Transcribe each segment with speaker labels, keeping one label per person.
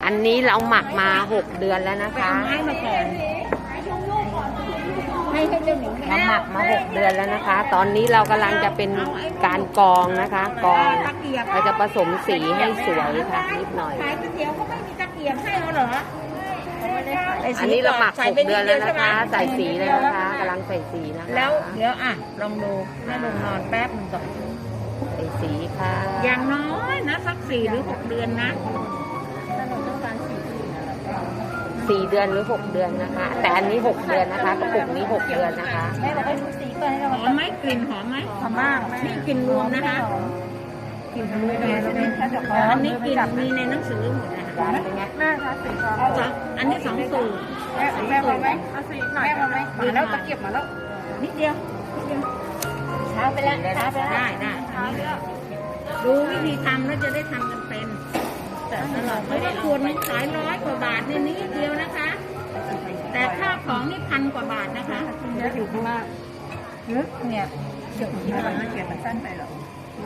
Speaker 1: อันนี้เราหมักมา6 เดือนแล้วนะคะ
Speaker 2: ให้มาก่อนให้เจ้าหนู
Speaker 1: เราหมักมา6 เดือนแล้วนะคะ ตอนนี้เรากำลังจะเป็นการกรองนะคะกรองเราจะผสมสีให้สวยค่ะนิดหน่อย
Speaker 2: ขายก๋วยเตี๋ยวก็ไม่มีตะเกียบให้เราเหรอ
Speaker 1: อันนี้เราหมัก6 เดือนแล้วนะคะใส่สีเลยนะคะกำลังใส่สีนะคะ
Speaker 2: แล้วเดี๋ยวลองดูแม่ลงนอนแป๊บนึงก่อน
Speaker 1: ใส่สีค่ะ
Speaker 2: อย่างน้อยนะสัก4 หรือ 6 เดือนนะ
Speaker 1: 4 เดือนหรือ 6 เดือนนะคะแต่อันนี้6 เดือนนะคะกระปุกนี้6 เดือนนะคะ
Speaker 2: แม่เราไปดูสีก่อนให้เราหอมไหมกลิ่นหอมไหมหอมมากนี่กลิ่นรวมนะคะกลิ่นรวมอันนี้กลิ่นมีในหนังสือหมดนะคะ
Speaker 1: เป็นไง
Speaker 2: แม่คะสีทองอันนี้2 สูตรแม่พอไหมเอาสีหน่อยแม่พอไหมมาแล้วตะเกียบมาแล้วนิดเดียวช้าไปแล้วช้าไปแล้วได้อันนี้ดูวิธีทำแล้วจะได้ทำกันเป็นแต่ตลอดเพราะว่าขวดมันขาย100 กว่าบาทในนี้เดียวนะคะแต่ค่าของนี่1,000 กว่าบาทนะคะจะอยู่ข้างล่างเนี่ยเขียนที่มันเขียนมันสั้นไปหรอ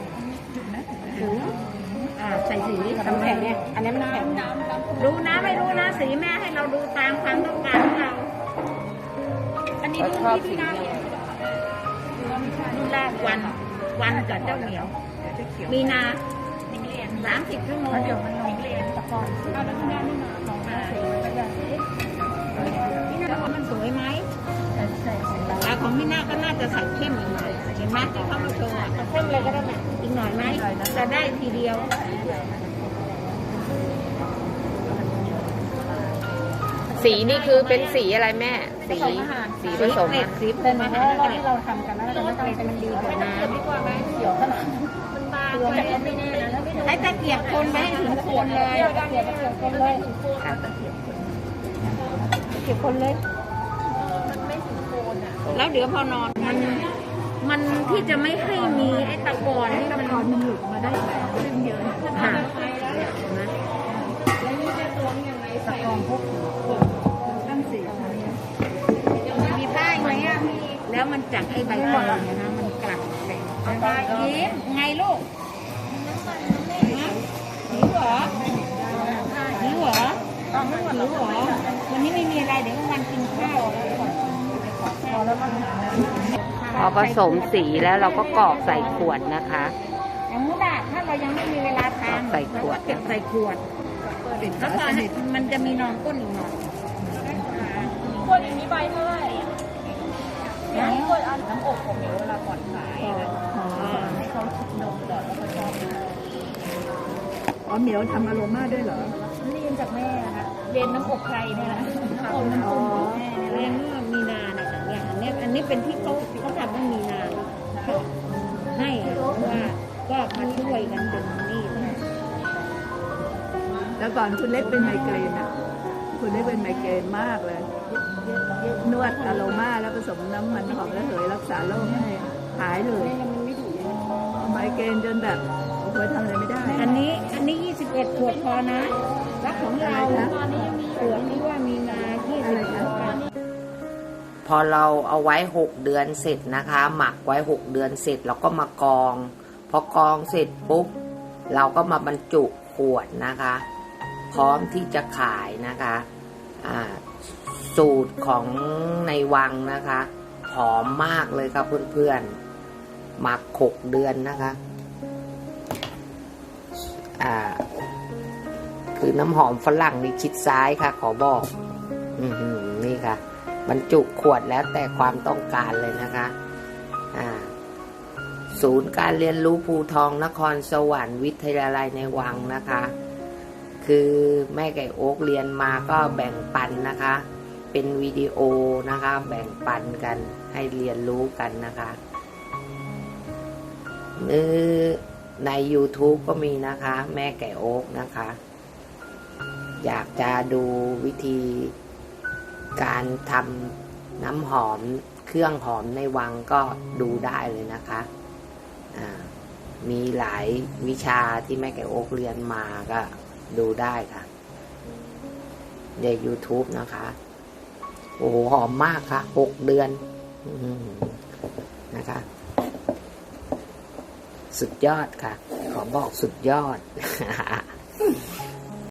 Speaker 2: ใส่สีน้ำแข็งเนี่ยอันนี้มันแข็งรู้นะไม่รู้นะสีแม่ให้เราดูตามความต้องการของเราอันนี้ดูที่น้ำแรกวันกับเจ้าเหนียวมีนา30 ชั่วโมงเรียนตะกอนเอาแล้วแม่นี่มาของมามันสวยไหมแต่ของพี่นาก็น่าจะใส่เข้มอีกหน่อยเห็นไหมที่เขามาโชว์เข้มเลยก็ได้ไหมอีกหน่อยไหมจะได้ทีเดียว
Speaker 1: สีนี่คือเป็นสีอะไรแม่สีผสม
Speaker 2: สีเป็นอาหารที่เราทำกันแล้วแต่มันดีกว่าน้ำเขียวขนาดตัวไม่แน่นะให้ตะเกียบคนไปให้ถึงโคนเลยตะเกียบคนเลยเก็บคนเลยมันไม่ถึงโคนอ่ะแล้วเดี๋ยวพอนอนมันที่จะไม่ให้มีไอ้ตะกอนนี่มันหลุดมาได้แบบเยอะค่ะแล้วนี่จะตัวยังไงตะกอนพวกตั้งสีมีป้ายไหมอ่ะแล้วมันจากไอ้ใบเตยนะมันกลับไปยิ้มไงลูกหิวเหรอหิวเหรอวันนี้ไม่มีอะไรเดี๋ยววันกินข้าว
Speaker 1: พอผสมสีแล้วเราก็กรอกใส่ขวดนะคะ
Speaker 2: อย่างนู้นถ้าเรายังไม่มีเวลาทาน
Speaker 1: ใส่ขวด
Speaker 2: เก็บใส่ขวดแล้วพอมันจะมีนองก้นอีกหน่อยขวดนี้ใบเท่าไหร่ขวดเอาน้ำอบของเหนียวเวลาก่อนขายให้เขาดมก่อนแล้วก็ชอบเหมียวทำอโรมาด้วยเหรอเรียนจากแม่นะคะเรียนน้ำอบใครเนี่ยนะน้ำอบแม่เรียนเมื่อมีนานะคะอย่างอันนี้เป็นที่เขาทำเมื่อมีนาให้ว่าก็มาช่วยกันดึงนี่
Speaker 3: แล้วก่อนคุณเล็กเป็นไมเกรนอ่ะคุณเล็กเป็นไมเกรนมากเลยนวดอโรมาแล้วผสมน้ำมันหอมระเหยรักษาโรคให้หายเลยไมเกรนจนแบบโอ้ยทำอะไรไม่ได้
Speaker 2: อันนี้21 ขวดพอนะแล้วของเราตอนนี้ยังมีขวดที่ว่ามีนา
Speaker 1: พอเราเอาไว้6 เดือนเสร็จนะคะหมักไว้6 เดือนเสร็จเราก็มากรองพอกรองเสร็จปุ๊บเราก็มาบรรจุขวดนะคะพร้อมที่จะขายนะคะสูตรของในวังนะคะหอมมากเลยครับเพื่อนๆหมัก6 เดือนนะคะคือน้ำหอมฝรั่งนี่ชิดซ้ายค่ะขอบอกนี่ค่ะบรรจุขวดแล้วแต่ความต้องการเลยนะคะศูนย์การเรียนรู้ภูทองนครสวรรค์วิทยาลัยในวังนะคะคือแม่ไก่โอ๊กเรียนมาก็แบ่งปันนะคะเป็นวิดีโอนะคะแบ่งปันกันให้เรียนรู้กันนะคะใน YouTube ก็มีนะคะแม่ไก่โอ๊กนะคะอยากจะดูวิธีการทำน้ำหอมเครื่องหอมในวังก็ดูได้เลยนะคะมีหลายวิชาที่แม่ไก่โอ๊กเรียนมาก็ดูได้ค่ะใน YouTube นะคะโอ้โหหอมมากค่ะ6 เดือนนะคะสุดยอดค่ะขอบอกสุดยอด